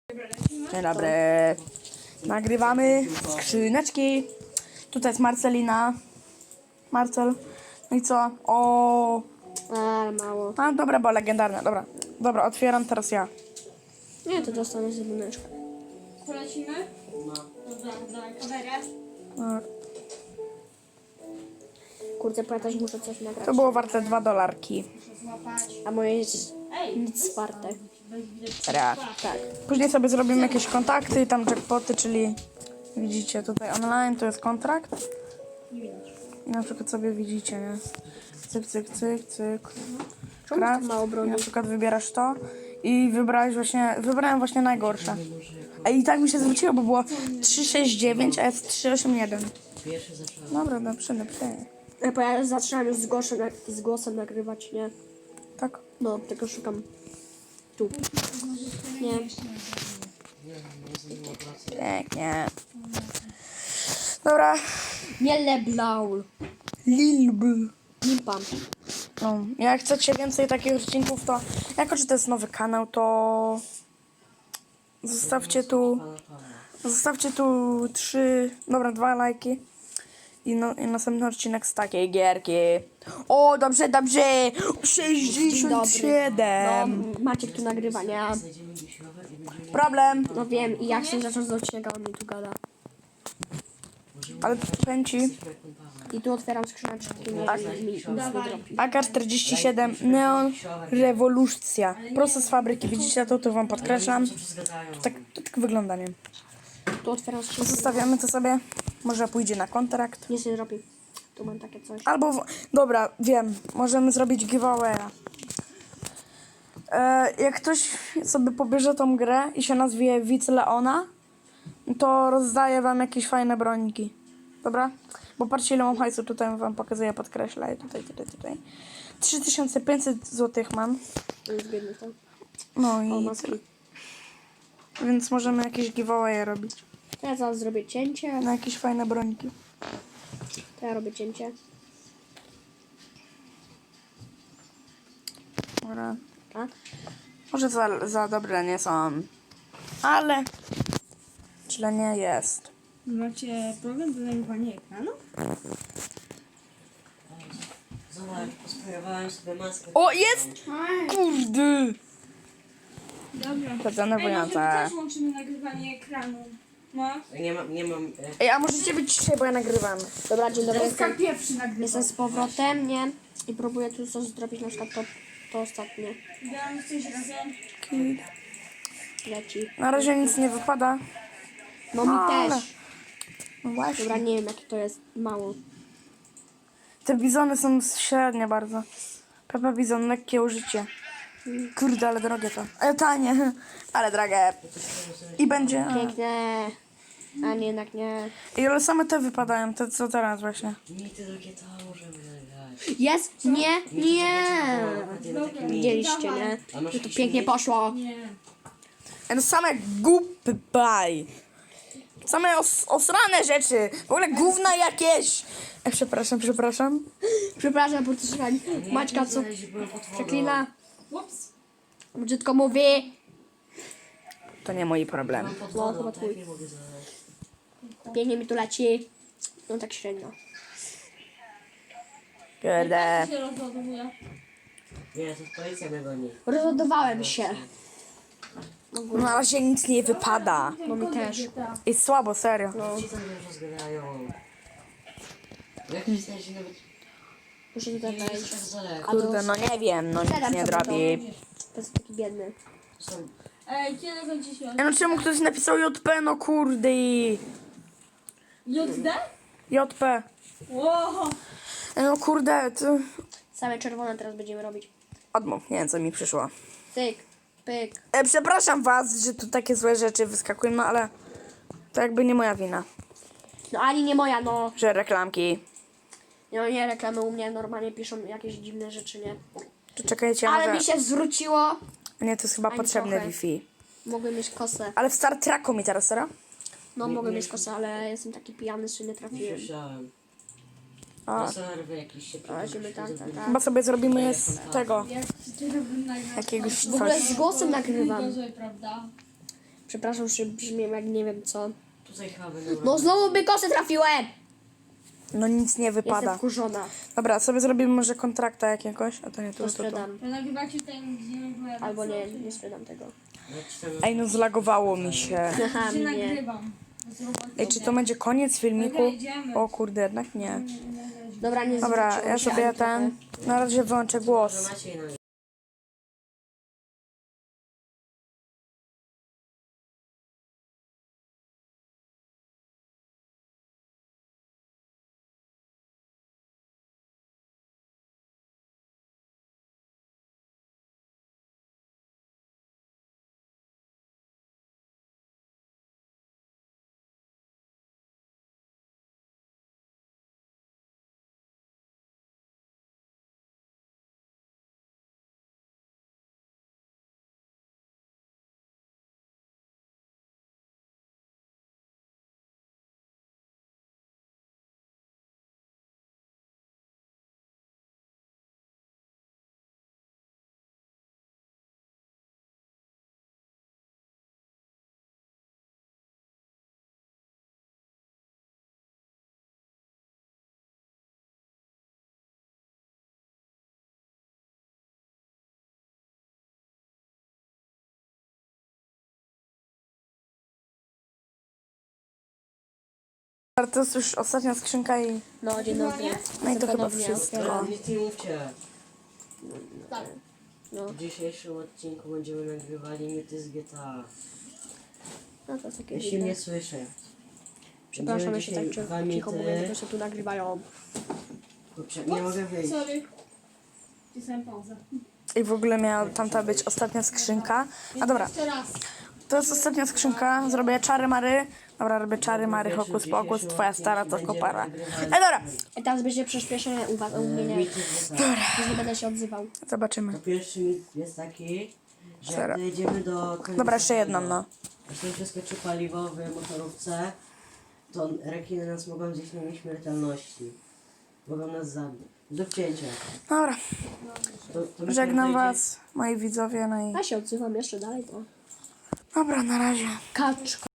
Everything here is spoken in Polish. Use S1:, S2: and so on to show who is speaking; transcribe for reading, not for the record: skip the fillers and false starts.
S1: Dzień dobry. Nagrywamy skrzyneczki. Tutaj jest Marcelina. Marcel. No i co? O.
S2: Mało.
S1: A dobra, bo legendarne. Dobra, otwieram teraz ja.
S2: Nie, to dostanę z jedyneczkę.
S3: Polecimy? No. Dobra, dawaj kamerę.
S1: Tak.
S2: Kurde, pamiętać, muszę coś nagrać.
S1: To było warte $2.
S3: Muszę złapać.
S2: A moje jest
S3: Ej!
S2: nic warte.
S1: Serio.
S2: Tak.
S1: Później sobie zrobimy jakieś kontakty i tam jackpoty, czyli widzicie tutaj online, to jest kontrakt. I na przykład sobie widzicie, nie? Cyk, cyk, cyk, cyk.
S2: Czemu tak mało
S1: I
S2: broni?
S1: na przykład wybierasz to i wybrałem właśnie najgorsze. A i tak mi się zwróciło, bo było 369, a jest 381. Dobra, dobrze.
S2: Bo ja zaczynam już z głosem nagrywać, nie?
S1: Tak.
S2: No, tylko szukam. Tu. Nie.
S1: Pięknie. Dobra.
S2: Nie leblaul.
S1: Lilb.
S2: Limpam.
S1: No, jak chcecie więcej takich odcinków, to jako, że to jest nowy kanał, to zostawcie tu 2 lajki i następny odcinek z takiej gierki. O, dobrze, 67.
S2: No, Maciek tu nagrywa, nie?
S1: Problem,
S2: No wiem, i jak się zaczął z odcinka, on mi tu gada.
S1: ale powiem ci,
S2: I tu otwieram skrzyneczki, nie mi nic nie dropi.
S1: AK-47 Neon Rewolucja. Prosto z fabryki. Widzicie to wam podkreślam. To tak wygląda, nie?
S2: Tu otwieram skrzynkę.
S1: Zostawiamy to sobie. Może pójdzie na kontrakt.
S2: Nic nie dropi. Tu mam takie coś.
S1: Albo, dobra, wiem. Możemy zrobić giveawaya. Jak ktoś sobie pobierze tą grę i się nazwie Widz Leona, to rozdaję wam jakieś fajne broniki. Dobra? Bo patrzcie, ile mam hajsu. Tutaj wam pokazuję, podkreślę. Tutaj. 3500 zł mam.
S2: To jest biedny, tak?
S1: No
S2: O,
S1: i...
S2: maski.
S1: Więc możemy jakieś giveawaye robić.
S2: To ja zaraz zrobię cięcie.
S1: Na jakieś fajne broniki.
S2: To ja robię cięcie.
S1: Dobra.
S2: A?
S1: Może za dobre nie są. Ale... źle nie jest.
S3: Macie problem do nagrywania ekranu?
S4: Zobacz, posprayowałem sobie maskę.
S1: O, jest! Kurde!
S3: Dobra.
S1: To
S3: Ej, może
S1: denerwujące.
S3: też łączymy nagrywanie ekranu. No.
S4: Nie mam.
S1: Ej, a możecie być dzisiaj, bo ja nagrywam.
S2: Dobra, dzień dobry.
S3: Oskar pierwszy nagrywa.
S2: Jestem z powrotem, nie? I próbuję tu coś zrobić, na przykład to ostatnie.
S3: Dam coś razem.
S2: Leci.
S1: Na razie nic nie wypada.
S2: No mi
S1: Ale-
S2: też.
S1: No właśnie.
S2: Dobra, nie wiem jakie to jest. Mało.
S1: Te bizony są średnie bardzo. Pepe bizon, lekkie użycie. Kurde, ale drogie to. Ale tanie, ale drogie. I będzie...
S2: Piękne. A nie, jednak nie.
S1: I ale same te wypadają, te co teraz właśnie.
S4: Mi te takie to możemy zagrać.
S2: Jest? Nie? Nie.
S4: Takie mi.
S2: Widzieliście, nie? Że to pięknie poszło.
S3: Nie.
S1: No same głupy baj. Same osrane rzeczy. W ogóle gówna jakieś. Przepraszam.
S2: Przepraszam, bo to słuchaj. Maćka co przeklina.
S3: Ups.
S2: Brzydko mówi.
S1: To nie mój problem.
S2: No, chyba twój. Pięknie mi tu leci. No tak średnio.
S1: Kurde.
S3: się rozładowuje.
S4: Nie, to policja mnie goni.
S2: Rozładowałem się.
S1: Na razie nic nie wypada.
S2: No mi też.
S1: I słabo, serio.
S4: Ci tam już rozgadają. Jak myślałeś, że nawet
S2: Muszę tutaj
S4: nie jest
S2: wejść.
S4: tak daleko.
S1: Kurde, no nie wiem, no nic
S2: Siadam
S1: nie
S2: sobie
S1: drobi.
S2: To jest taki biedny.
S4: To są...
S3: Ej, kiedy kończy się?
S1: No czemu ktoś napisał JP, no kurde.
S3: JD?
S1: JP.
S3: Wow.
S1: No kurde, to...
S2: Same czerwone teraz będziemy robić.
S1: Odmów, nie wiem co mi przyszło.
S2: Cyk, pyk.
S1: Przepraszam was, że tu takie złe rzeczy wyskakują, no ale to jakby nie moja wina,
S2: No ani nie moja, no.
S1: że reklamki.
S2: No nie, reklamy u mnie normalnie piszą jakieś dziwne rzeczy, nie?
S1: To czekajcie,
S2: Ale
S1: może...
S2: mi się zwróciło.
S1: Nie, to jest chyba
S2: Ani
S1: potrzebne
S2: trochę.
S1: Wi-Fi.
S2: Mogę mieć kosę.
S1: Ale w Star Treku mi teraz, serio?
S2: No mogę mieć kosę, ale jestem taki pijany, że nie trafiłem.
S4: Słyszałem.
S1: A,
S4: Na serwy jakiś się
S2: A, ziemy tak.
S1: chyba sobie zrobimy z tego,
S3: Jak ty robisz nagrać?
S1: jakiegoś
S2: W ogóle
S1: coś.
S2: z głosem nagrywam.
S3: Gorzej, prawda?
S2: Przepraszam, że brzmię jak nie wiem co.
S4: Tutaj chyba będą
S2: No znowu bykosy trafiłem!
S1: No nic nie
S2: Jestem
S1: wypada.
S2: wkurzona.
S1: Dobra, sobie zrobimy może kontrakta jakiegoś. A to nie
S2: To
S1: tu, to.
S2: sprzedam.
S3: To nagrywacie ten, gdzie nie była
S2: Albo nie,
S3: edycja,
S2: nie sprzedam tego.
S1: Ej, no zlagowało mi się.
S2: Aha,
S3: czy
S2: mnie.
S3: nagrywam. Z roboty.
S1: Ej, czy to będzie koniec filmiku?
S3: Dobra, idziemy.
S1: O kurde, jednak nie.
S2: Dobra, nie
S1: Dobra,
S2: zwróciło
S1: ja
S2: mi się
S1: sobie
S2: ani
S1: ten...
S2: trochę.
S1: Na razie wyłączę głos.
S4: Może Maciej na
S1: To jest już ostatnia skrzynka i...
S2: No, dzień dobry.
S1: No i to chyba
S2: Ponownie
S1: wszystko.
S2: otwieram.
S4: Nic nie mówcie.
S3: Tak.
S2: No,
S4: W dzisiejszym odcinku będziemy nagrywali mity z GTA.
S2: no to jest takie
S4: Jeśli
S2: dziwne.
S4: mnie słyszę.
S2: Przepraszam,
S4: Będziemy
S2: ja się tak
S4: dzisiaj dwa
S2: cicho mówię,
S4: mity.
S2: bo się tu nagrywają.
S4: Kurczę, nie mogę wyjść.
S3: Sorry. Wcisnąłem pauzę.
S1: I w ogóle miała tamta być ostatnia skrzynka. A dobra,
S3: Jeszcze raz.
S1: to jest ostatnia skrzynka. Zrobię czary mary. Dobra, robię czary mary, hokus pokus. Twoja stara to kopara. Ej, dobra,
S2: I teraz będzie przyspieszenie u mnie.
S4: Mity z GTA.
S2: Już nie będę się odzywał.
S1: zobaczymy.
S4: To pierwszy mit jest taki, że
S1: Zero.
S4: jak dojedziemy do końca
S1: Dobra, jeszcze jedną,
S4: tego,
S1: no.
S4: jeśli przeskoczy paliwo w motorówce, to rekiny nas mogą zjeść na nieśmiertelności. Mogą nas zabić. Do wcięcia.
S1: Dobra,
S4: To my
S1: żegnam
S4: dojedzie-
S1: was, moi widzowie, no i...
S2: Ja się odzywam jeszcze dalej, to...
S1: Dobra, na razie.
S2: Kaczka.